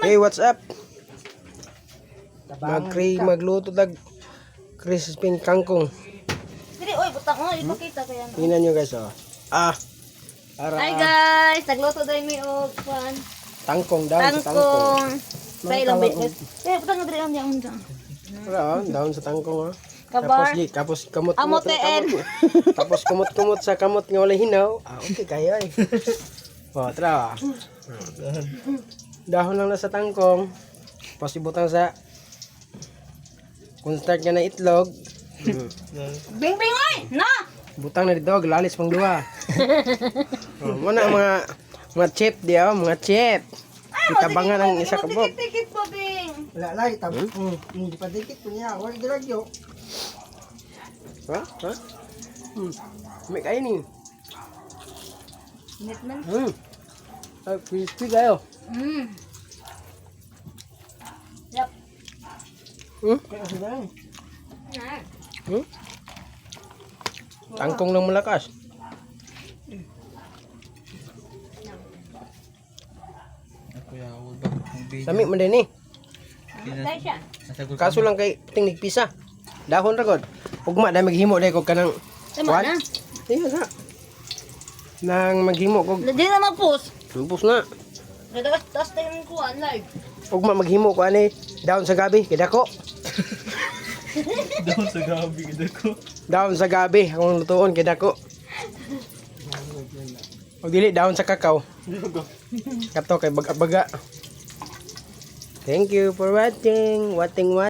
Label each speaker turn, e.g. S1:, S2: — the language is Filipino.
S1: Hey, what's up? Magluto tag crispy kangkong.
S2: Dili, oy, butang mo, ipakita kaya na.
S1: Tingnan nyo guys, oh.
S2: Hi guys, nagluto dahil may pan.
S1: Tangkong, daon sa tangkong.
S2: Tangkong. Sa ilang beses. Butang na dili ang diyan unsa.
S1: Daon sa tangkong, oh.
S2: Kabar.
S1: Tapos kamot
S2: Amoteen.
S1: Tapos kumot sa kamot nga wala hinaw. Okay kayo eh. Oh, tara. Dahon lang na sa tangkong. Tapos ibutang sa kung start ka na itlog.
S2: Bing bing oy, na.
S1: Butang na dito, lalis pang duha. Oh, muna mga chip diya, mga chip. Itabangan ang isa ka bok.
S2: Tikit po bing.
S3: Wala lang, hindi pa dikit po niya. Huwag dilagyo.
S1: Ha? May kain ni.
S2: Init man.
S1: Ay, crispy kayo.
S2: Yap.
S3: Kaya kasi lang.
S1: Tangkong lang malakas. Sami man din eh.
S2: Dai siya.
S1: Kaso lang kay tingnig pisa. Dahon ra god. Ugma dai maghimo dai ko kanang
S2: Tama na.
S1: Iya na. Nang maghimo ko.
S2: Dili na mapus.
S1: Lumpos na.
S2: Nadagas tas tayo ng kuan live.
S1: Ugma maghimo ko ani daon sa gabi kay dako.
S3: Doon sa gabi kita ko.
S1: Daon sa gabi akong lutuon kay dako. O dili daon sa kakao. Kato kay baga-baga. Thank you for watching.